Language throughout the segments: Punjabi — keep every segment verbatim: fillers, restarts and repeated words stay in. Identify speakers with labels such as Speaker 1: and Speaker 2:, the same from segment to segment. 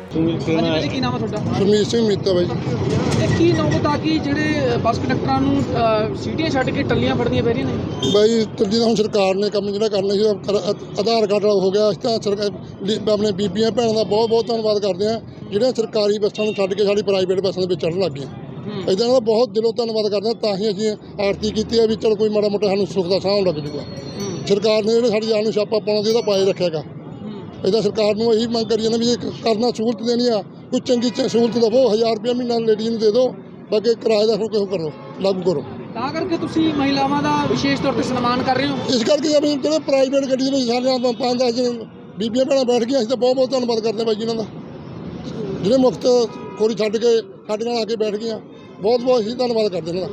Speaker 1: ਹਾਂਜੀ ਕੀ ਨਾਮ ਹੈ ਤੁਹਾਡਾ?
Speaker 2: ਸੁਰਮੀਤ ਸਿੰਘ ਮੀਤਾ ਬਾਈ।
Speaker 1: ਇਹ ਕੀ ਨੌਬਤ ਆ ਕਿ ਜਿਹੜੇ ਬੱਸ ਕੰਡਕਟਰਾਂ ਨੂੰ ਸੀਟੀਆਂ ਛੱਡ ਕੇ ਟੱਲੀਆਂ ਫੜਨੀਆਂ ਪੈ ਰਹੀਆਂ ਨੇ
Speaker 2: ਬਾਈ ਤੱਦੀ ਤਾਂ ਹੁਣ ਸਰਕਾਰ ਨੇ ਕੰਮ ਜਿਹੜਾ ਕਰਨਾ ਸੀ ਆਧਾਰ ਕਾਰਡ ਵਾਲਾ ਹੋ ਗਿਆ। ਅਸੀਂ ਤਾਂ ਸਰਕਾਰ ਆਪਣੇ ਬੀਬੀਆਂ ਭੈਣਾਂ ਦਾ ਬਹੁਤ ਬਹੁਤ ਧੰਨਵਾਦ ਕਰਦੇ ਹਾਂ ਜਿਹੜੀਆਂ ਸਰਕਾਰੀ ਬੱਸਾਂ ਨੂੰ ਛੱਡ ਕੇ ਸਾਡੀ ਪ੍ਰਾਈਵੇਟ ਬੱਸਾਂ ਦੇ ਵਿੱਚ ਚੜ੍ਹਨ ਲੱਗ ਗਈਆਂ। ਇੱਦਾਂ ਦਾ ਬਹੁਤ ਦਿਲੋਂ ਧੰਨਵਾਦ ਕਰਦੇ ਹਾਂ। ਤਾਂ ਹੀ ਅਸੀਂ ਆਰਤੀ ਕੀਤੀ ਹੈ ਵੀ ਚਲ ਕੋਈ ਮਾੜਾ ਮੋਟਾ ਸਾਨੂੰ ਸੁੱਖ ਦਾ ਸਾਹ ਲੱਗ ਜੂਗਾ। ਸਰਕਾਰ ਨੇ ਜਿਹੜੇ ਸਾਡੀ ਜਾਨ ਨੂੰ ਛਾਪਾ ਪਾਉਣਾ ਸੀ ਉਹਦਾ ਪਾਏ ਰੱਖਿਆਗਾ। ਇੱਦਾਂ ਸਰਕਾਰ ਨੂੰ ਇਹੀ ਮੰਗ ਕਰੀ ਜਾਂਦੇ ਵੀ ਇਹ ਕਰਨਾ ਸਹੂਲਤ ਦੇਣੀ ਆ ਕੋਈ ਚੰਗੀ ਸਹੂਲਤ ਦੇਵੋ। ਹਜ਼ਾਰ ਰੁਪਇਆ ਮਹੀਨਾ ਲੇਡੀਜ਼ ਨੂੰ ਦੇ ਦਿਓ, ਬਾਕੀ ਕਿਰਾਏ ਦਾ ਕੋਈ ਕਰੋ ਲਾਗੂ ਕਰੋ।
Speaker 1: ਤਾਂ ਕਰਕੇ ਤੁਸੀਂ ਮਹਿਲਾਵਾਂ ਦਾ ਵਿਸ਼ੇਸ਼ ਤੌਰ 'ਤੇ ਸਨਮਾਨ ਕਰ ਰਹੇ ਹੋ।
Speaker 2: ਇਸ ਕਰਕੇ ਜਿਹੜੇ ਪ੍ਰਾਈਵੇਟ ਗੱਡੀ ਦੇ ਵਿੱਚ ਸਾਡੇ ਪੰਜ ਦਸ ਦਿਨ ਬੀਬੀਆਂ ਭੈਣਾਂ ਬੈਠ ਗਈਆਂ ਅਸੀਂ ਤਾਂ ਬਹੁਤ ਬਹੁਤ ਧੰਨਵਾਦ ਕਰਦੇ ਹਾਂ ਬਾਈ ਜੀ ਇਹਨਾਂ ਦਾ, ਜਿਹੜੇ ਮੁਫਤ ਖੋਰੀ ਛੱਡ ਕੇ ਸਾਡੇ ਨਾਲ ਆ ਕੇ ਬੈਠ ਗਈਆਂ। ਬਹੁਤ ਬਹੁਤ ਅਸੀਂ ਧੰਨਵਾਦ ਕਰਦੇ ਇਹਨਾਂ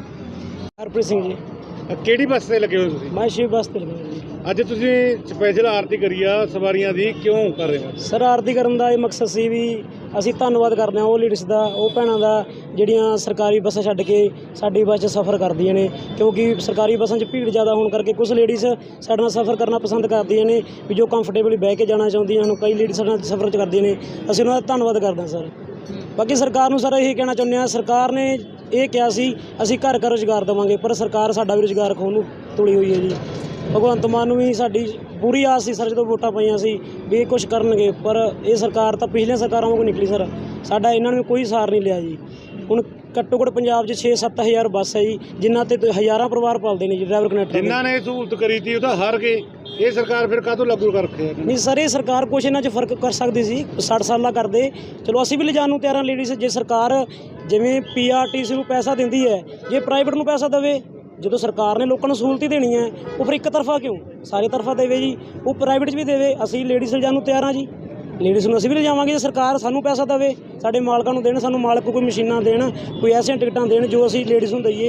Speaker 2: ਦਾ।
Speaker 3: ਹਰਪ੍ਰੀਤ ਸਿੰਘ ਜੀ।
Speaker 4: ਕਿਹੜੀ ਬੱਸ ਤੇ ਲੱਗੇ ਹੋ ਤੁਸੀਂ?
Speaker 3: ਮੈਂ ਸ਼ਿਵ ਬੱਸ ਤੇ ਲੱਗਾ ਜੀ।
Speaker 4: ਅੱਜ ਤੁਸੀਂ ਸਪੈਸ਼ਲ ਆਰਤੀ ਕਰੀ ਆ ਸਵਾਰੀਆਂ ਦੀ, ਕਿਉਂ ਕਰ ਰਹੇ ਹੋ?
Speaker 3: ਸਰ ਆਰਤੀ ਕਰਨ ਦਾ ਇਹ ਮਕਸਦ ਸੀ ਵੀ ਅਸੀਂ ਧੰਨਵਾਦ ਕਰਦੇ ਹਾਂ ਉਹ ਲੇਡੀਜ਼ ਦਾ, ਉਹ ਭੈਣਾਂ ਦਾ ਜਿਹੜੀਆਂ ਸਰਕਾਰੀ ਬੱਸਾਂ ਛੱਡ ਕੇ ਸਾਡੀ ਬੱਸ 'ਚ ਸਫ਼ਰ ਕਰਦੀਆਂ ਨੇ। ਕਿਉਂਕਿ ਸਰਕਾਰੀ ਬੱਸਾਂ 'ਚ ਭੀੜ ਜ਼ਿਆਦਾ ਹੋਣ ਕਰਕੇ ਕੁਝ ਲੇਡੀਜ਼ ਸਾਡੇ ਨਾਲ ਸਫ਼ਰ ਕਰਨਾ ਪਸੰਦ ਕਰਦੀਆਂ ਨੇ ਵੀ ਜੋ ਕੰਫਰਟੇਬਲੀ ਬਹਿ ਕੇ ਜਾਣਾ ਚਾਹੁੰਦੀਆਂ ਹਨ। ਕਈ ਲੇਡੀਜ਼ ਸਾਡੇ ਨਾਲ ਸਫ਼ਰ 'ਚ ਕਰਦੀਆਂ ਨੇ, ਅਸੀਂ ਉਹਨਾਂ ਦਾ ਧੰਨਵਾਦ ਕਰਦੇ ਹਾਂ ਸਰ। ਬਾਕੀ ਸਰਕਾਰ ਨੂੰ ਸਰ ਇਹ ਕਹਿਣਾ ਚਾਹੁੰਦੇ ਹਾਂ, ਸਰਕਾਰ ਨੇ ਇਹ ਕਿਹਾ ਸੀ ਅਸੀਂ ਘਰ ਘਰ ਰੁਜ਼ਗਾਰ ਦੇਵਾਂਗੇ, ਪਰ ਸਰਕਾਰ ਸਾਡਾ ਵੀ ਰੁਜ਼ਗਾਰ ਖੋਹਣ ਨੂੰ ਤੁਲੀ ਹੋਈ ਹੈ ਜੀ। ਭਗਵੰਤ ਮਾਨ ਨੂੰ ਵੀ ਸਾਡੀ ਪੂਰੀ ਆਸ ਸੀ ਸਰ ਜਦੋਂ ਵੋਟਾਂ ਪਾਈਆਂ ਸੀ ਵੀ ਇਹ ਕੁਛ ਕਰਨਗੇ, ਪਰ ਇਹ ਸਰਕਾਰ ਤਾਂ ਪਿਛਲੀਆਂ ਸਰਕਾਰਾਂ ਵਾਂਗੂ ਨਿਕਲੀ ਸਰ। ਸਾਡਾ ਇਹਨਾਂ ਨੇ ਕੋਈ ਸਾਰ ਨਹੀਂ ਲਿਆ ਜੀ। ਹੁਣ ਘੱਟੋ ਘੱਟ ਪੰਜਾਬ 'ਚ ਛੇ ਸੱਤ ਹਜ਼ਾਰ ਬੱਸ ਹੈ ਜੀ, ਜਿਨ੍ਹਾਂ 'ਤੇ ਹਜ਼ਾਰਾਂ ਪਰਿਵਾਰ ਪਾਲਦੇ ਨੇ ਜੀ ਡਰਾਈਵਰ ਕਨੈਕਟਰ।
Speaker 4: ਜਿਨ੍ਹਾਂ ਨੇ ਸਹੂਲਤ ਕਰੀ ਤੀ ਉਹ ਤਾਂ ਹਾਰ ਗਏ, ਇਹ ਸਰਕਾਰ ਫਿਰ ਕਾਹਤੋਂ ਲਾਗੂ ਕਰ ਰੱਖਿਆ?
Speaker 3: ਨਹੀਂ ਸਰ ਇਹ ਸਰਕਾਰ ਕੁਛ ਇਹਨਾਂ 'ਚ ਫਰਕ ਕਰ ਸਕਦੀ ਸੀ, ਸੱਠ ਸਾਲਾਂ ਕਰਦੇ ਚਲੋ ਅਸੀਂ ਵੀ ਲਿਜਾਣ ਨੂੰ ਤਿਆਰ ਹਾਂ ਲੇਡੀਜ਼। ਜੇ ਸਰਕਾਰ ਜਿਵੇਂ ਪੀ ਆਰ ਟੀ ਸੀ ਨੂੰ ਪੈਸਾ ਦਿੰਦੀ ਹੈ, ਜੇ ਪ੍ਰਾਈਵੇਟ ਨੂੰ ਪੈਸਾ ਦੇਵੇ, ਜਦੋਂ ਸਰਕਾਰ ਨੇ ਲੋਕਾਂ ਨੂੰ ਸਹੂਲਤ ਹੀ ਦੇਣੀ ਹੈ ਉਹ ਫਿਰ ਇੱਕ ਤਰਫਾ ਕਿਉਂ ਸਾਰੇ ਤਰਫਾ ਦੇਵੇ ਜੀ। ਉਹ ਪ੍ਰਾਈਵੇਟ 'ਚ ਵੀ ਦੇਵੇ, ਅਸੀਂ ਲੇਡੀਜ਼ ਲਿਜਾਣ ਨੂੰ ਤਿਆਰ ਹਾਂ ਜੀ। ਲੇਡੀਜ਼ ਨੂੰ ਅਸੀਂ ਵੀ ਲਿਜਾਵਾਂਗੇ ਜੇ ਸਰਕਾਰ ਸਾਨੂੰ ਪੈਸਾ ਦੇਵੇ, ਸਾਡੇ ਮਾਲਕਾਂ ਨੂੰ ਦੇਣ, ਸਾਨੂੰ ਮਾਲਕ ਕੋਈ ਮਸ਼ੀਨਾਂ ਦੇਣ, ਕੋਈ ਐਸੀਆਂ ਟਿਕਟਾਂ ਦੇਣ ਜੋ ਅਸੀਂ ਲੇਡੀਜ਼ ਨੂੰ ਦਈਏ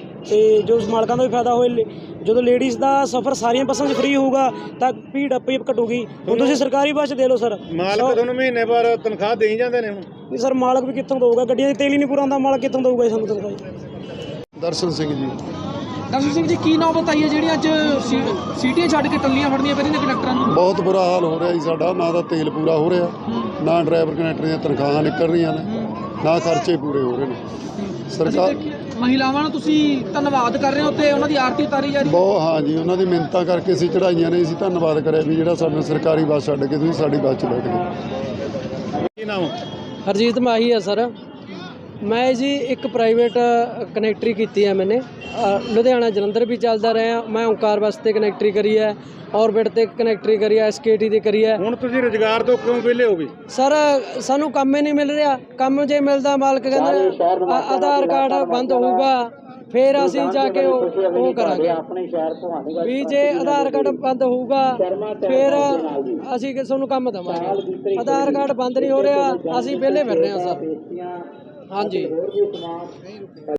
Speaker 3: ਅਤੇ ਜੋ ਮਾਲਕਾਂ ਦਾ ਵੀ ਫਾਇਦਾ ਹੋਏ। ਜਦੋਂ ਲੇਡੀਜ਼ ਦਾ ਸਫ਼ਰ ਸਾਰੀਆਂ ਬੱਸਾਂ 'ਚ ਫਰੀ ਹੋਊਗਾ ਤਾਂ ਭੀੜ ਆਪੇ ਘਟੂਗੀ। ਹੁਣ ਤੁਸੀਂ ਸਰਕਾਰੀ ਬੱਸ 'ਚ ਦੇ ਲਓ ਸਰ,
Speaker 4: ਮਾਲਕ ਤੁਹਾਨੂੰ ਮਹੀਨੇ ਬਾਅਦ ਤਨਖਾਹ ਦੇਈ ਜਾਂਦੇ ਨੇ। ਹੁਣ
Speaker 3: ਨਹੀਂ ਸਰ ਮਾਲਕ ਵੀ ਕਿੱਥੋਂ ਦਊਗਾ? ਗੱਡੀਆਂ 'ਚ ਤੇਲ ਹੀ ਨਹੀਂ ਪੂਰਾ ਹੁੰਦਾ, ਮਾਲਕ ਕਿੱਥੋਂ ਦਊਗਾ ਸਾਨੂੰ ਤਨਖਾਹ?
Speaker 2: ਦਰਸ਼ਨ ਸਿੰਘ ਜੀ।
Speaker 1: ਦਰਸ਼ਨ ਸਿੰਘ ਜੀ ਕੀ ਨੌਬਤ ਆਈ ਹੈ ਜਿਹੜੀ ਅੱਜ ਸੀਟੀਆਂ ਛੱਡ ਕੇ ਟੱਲੀਆਂ ਫੜਨੀਆਂ ਪੈ ਰਹੀਆਂ ਨੇ ਕੰਡਕਟਰਾਂ ਨੂੰ?
Speaker 2: ਬਹੁਤ ਬੁਰਾ ਹਾਲ ਹੋ ਰਿਹਾ ਜੀ ਸਾਡਾ। ਨਾ ਤਾਂ ਤੇਲ ਪੂਰਾ ਹੋ ਰਿਹਾ, ਨਾ ਡਰਾਈਵਰ ਕਨੈਕਟਰ ਦੀਆਂ ਤਨਖਾਹਾਂ ਨਿਕਲ ਰਹੀਆਂ ਨੇ, ਨਾ ਖਰਚੇ ਪੂਰੇ ਹੋ ਰਹੇ ਨੇ। ਸਰਕਾਰ
Speaker 1: ਮਹਿਲਾਵਾਂ ਨੂੰ ਤੁਸੀਂ ਧੰਨਵਾਦ ਕਰ ਰਹੇ ਹੋ ਤੇ ਉਹਨਾਂ ਦੀ ਆਰਤੀ ਉਤਾਰੀ ਜਾ ਰਹੀ ਹੈ।
Speaker 2: ਬਹੁਤ ਹਾਂ ਜੀ, ਉਹਨਾਂ ਦੀ ਮਿੰਨਤਾਂ ਕਰਕੇ ਅਸੀਂ ਚੜਾਈਆਂ ਨੇ। ਅਸੀਂ ਧੰਨਵਾਦ ਕਰਿਆ ਵੀ ਜਿਹੜਾ ਸਾਨੂੰ ਸਰਕਾਰੀ ਬੱਸ ਛੱਡ ਕੇ ਤੁਸੀਂ ਸਾਡੀ ਬੱਸ 'ਚ ਬੈਠ ਗਏ।
Speaker 4: ਕੀ ਨਾਮ?
Speaker 3: ਹਰਜੀਤ ਮਾਹੀ ਹੈ ਸਰ। ਮੈਂ ਜੀ ਇੱਕ ਪ੍ਰਾਈਵੇਟ ਕਨੈਕਟਰੀ ਕੀਤੀ ਹੈ ਮੈਨੇ, ਲੁਧਿਆਣਾ ਜਲੰਧਰ ਵੀ ਚੱਲਦਾ ਰਿਹਾ। ਮੈਂ ਓਂਕਾਰ ਬੱਸ 'ਤੇ ਕਨੈਕਟਰੀ ਕਰੀ ਹੈ, ਔਰਬਿਟ 'ਤੇ ਕਨੈਕਟਰੀ ਕਰੀ ਹੈ, ਐਸ ਕੇ ਟੀ 'ਤੇ ਕਰੀ ਹੈ।
Speaker 4: ਹੁਣ ਤੁਸੀਂ ਰੁਜ਼ਗਾਰ ਤੋਂ ਕਿਉਂ ਵਿਹਲੇ ਹੋ ਗਏ?
Speaker 3: ਸਰ ਸਾਨੂੰ ਕੰਮ ਹੀ ਨਹੀਂ ਮਿਲ ਰਿਹਾ। ਕੰਮ ਜੇ ਮਿਲਦਾ ਮਾਲਕ ਕਹਿੰਦਾ ਆਧਾਰ ਕਾਰਡ ਬੰਦ ਹੋਊਗਾ ਫਿਰ ਅਸੀਂ ਜਾ ਕੇ ਉਹ ਉਹ ਕਰਾਂਗੇ ਵੀ ਜੇ ਆਧਾਰ ਕਾਰਡ ਬੰਦ ਹੋਊਗਾ ਫਿਰ ਅਸੀਂ ਤੁਹਾਨੂੰ ਕੰਮ ਦੇਵਾਂਗੇ। ਆਧਾਰ ਕਾਰਡ ਬੰਦ ਨਹੀਂ ਹੋ ਰਿਹਾ, ਅਸੀਂ ਵਿਹਲੇ ਫਿਰ ਰਹੇ ਹਾਂ ਸਰ। ਹਾਂਜੀ।